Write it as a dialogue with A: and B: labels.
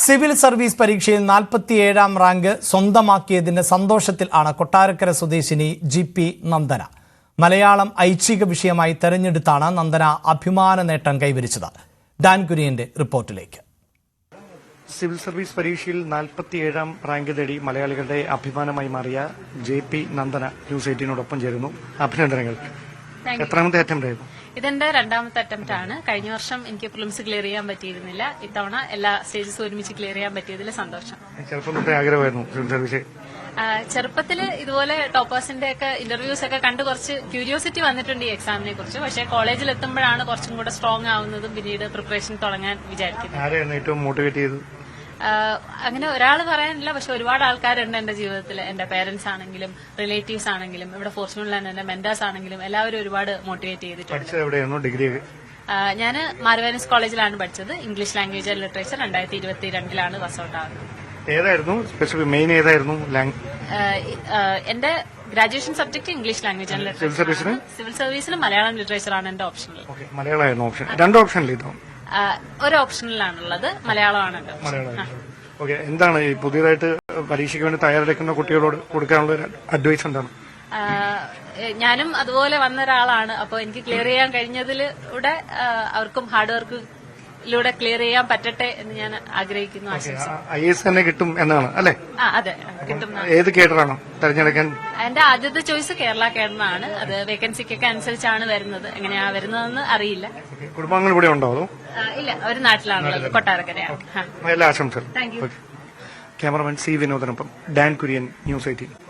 A: Civil service പരീക്ഷയിൽ 47ാം rank സ്വന്തമാക്കിയതിന്റെ സന്തോഷത്തിൽ ആണ് കൊട്ടാരക്കര സ്വദേശിനി ജി.പി. നന്ദന. മലയാളം ഐച്ഛിക വിഷയമായി തെരഞ്ഞെടുത്താണ് നന്ദന അഭിമാന നേട്ടം കൈവരിച്ചത്. ഡാൻ കുര്യന്റെ റിപ്പോർട്ടിലേക്ക്.
B: സിവിൽ സർവീസ് പരീക്ഷയിൽ 47ാം റാങ്ക് നേടി മലയാളികളുടെ അഭിമാനമായി മാറിയ ജെ.പി. നന്ദന ന്യൂസ് 18നോടൊപ്പം ചേരുന്നു. അഭിനന്ദനങ്ങൾ. എത്രാമത്തെ അറ്റംപ്റ്റ് ആയിരുന്നു?
C: ഇതെന്റെ രണ്ടാമത്തെ അറ്റംപ്റ്റ് ആണ്. കഴിഞ്ഞ വർഷം എനിക്ക് പ്രിലിംസ് ക്ലിയർ ചെയ്യാൻ പറ്റിയിരുന്നില്ല. ഇത്തവണ എല്ലാ സ്റ്റേജസും ഒരുമിച്ച് ക്ലിയർ ചെയ്യാൻ പറ്റിയതിൽ സന്തോഷം.
B: ചെറുപ്പം തൊട്ടേ ആഗ്രഹമായിരുന്നു സിവിൽ സർവീസ്?
C: ചെറുപ്പത്തിൽ ഇതുപോലെ ടോപ്പേഴ്സിന്റെ ഒക്കെ ഇന്റർവ്യൂസ് ഒക്കെ കണ്ട് കുറച്ച് ക്യൂരിയോസിറ്റി വന്നിട്ടുണ്ട് ഈ എക്സാമിനെ കുറിച്ച്. പക്ഷേ കോളേജിൽ എത്തുമ്പോഴാണ് കുറച്ചും കൂടെ സ്ട്രോങ് ആവുന്നതും പിന്നീട് പ്രിപ്പറേഷൻ തുടങ്ങാൻ വിചാരിക്കുന്നത്.
B: ആരെയാണ് ഏറ്റവും മോട്ടിവേറ്റ് ചെയ്തത്?
C: അങ്ങനെ ഒരാൾ പറയാനില്ല, പക്ഷെ ഒരുപാട് ആൾക്കാരുണ്ട് എന്റെ ജീവിതത്തിൽ. എന്റെ പേരന്റ്സ് ആണെങ്കിലും റിലേറ്റീവ്സ് ആണെങ്കിലും ഇവിടെ ഫോർച്യൂണിൽ എന്റെ മെന്റേഴ്സ് ആണെങ്കിലും എല്ലാവരും ഒരുപാട് മോട്ടിവേറ്റ് ചെയ്തിട്ടുണ്ട്. ഞാൻ മാർവാനിസ് കോളേജിലാണ് പഠിച്ചത്. English language and literature 2022 pass out ആകുന്നത്.
B: ഏതായിരുന്നു സ്പെസിഫിക് മെയിൻ ഏതായിരുന്നു?
C: എന്റെ graduation subject English language and literature. Civil സർവീസിന് മലയാളം ലിറ്ററേച്ചർ ആണ് എന്റെ ഓപ്ഷനിൽ.
B: മലയാളമായിരുന്നു ഓപ്ഷൻ? രണ്ട് ഓപ്ഷനിൽ ഇതോ?
C: ഒരു ഓപ്ഷനിലാണുള്ളത്, മലയാളമാണ്.
B: എന്താണ് ഈ പുതിയതായിട്ട് പരീക്ഷയ്ക്ക് വേണ്ടി തയ്യാറെടുക്കുന്ന കുട്ടികളോട് കൊടുക്കാനുള്ള അഡ്വൈസ് എന്താണ്?
C: ഞാനും അതുപോലെ വന്ന ഒരാളാണ്. അപ്പോൾ എനിക്ക് ക്ലിയർ ചെയ്യാൻ കഴിഞ്ഞതിലൂടെ അവർക്കും ഹാർഡ് വർക്കിലൂടെ ക്ലിയർ ചെയ്യാൻ പറ്റട്ടെ എന്ന് ഞാൻ ആഗ്രഹിക്കുന്നു.
B: IAS തന്നെ കിട്ടും എന്നാണ് അല്ലേ?
C: അതെ, കിട്ടും.
B: ഏത് കേഡറാണോ തെരഞ്ഞെടുക്കാൻ?
C: എന്റെ ആദ്യത്തെ ചോയ്സ് കേരള കേഡറാണ്. അത് വേക്കൻസിക്കൊക്കെ അനുസരിച്ചാണ് വരുന്നത്. എങ്ങനെയാ വരുന്നതെന്ന് അറിയില്ല.
B: കുടുംബങ്ങൾ ഇവിടെ ഉണ്ടോ?
C: ഇല്ല, ഒരു നാട്ടിലാണുള്ളത്, കൊട്ടാരക്കരയാണ്.
B: എല്ലാ ആശംസകളും. Cameraman C. വിനോദനൊപ്പം ഡാൻ കുര്യൻ, ന്യൂസ് 18.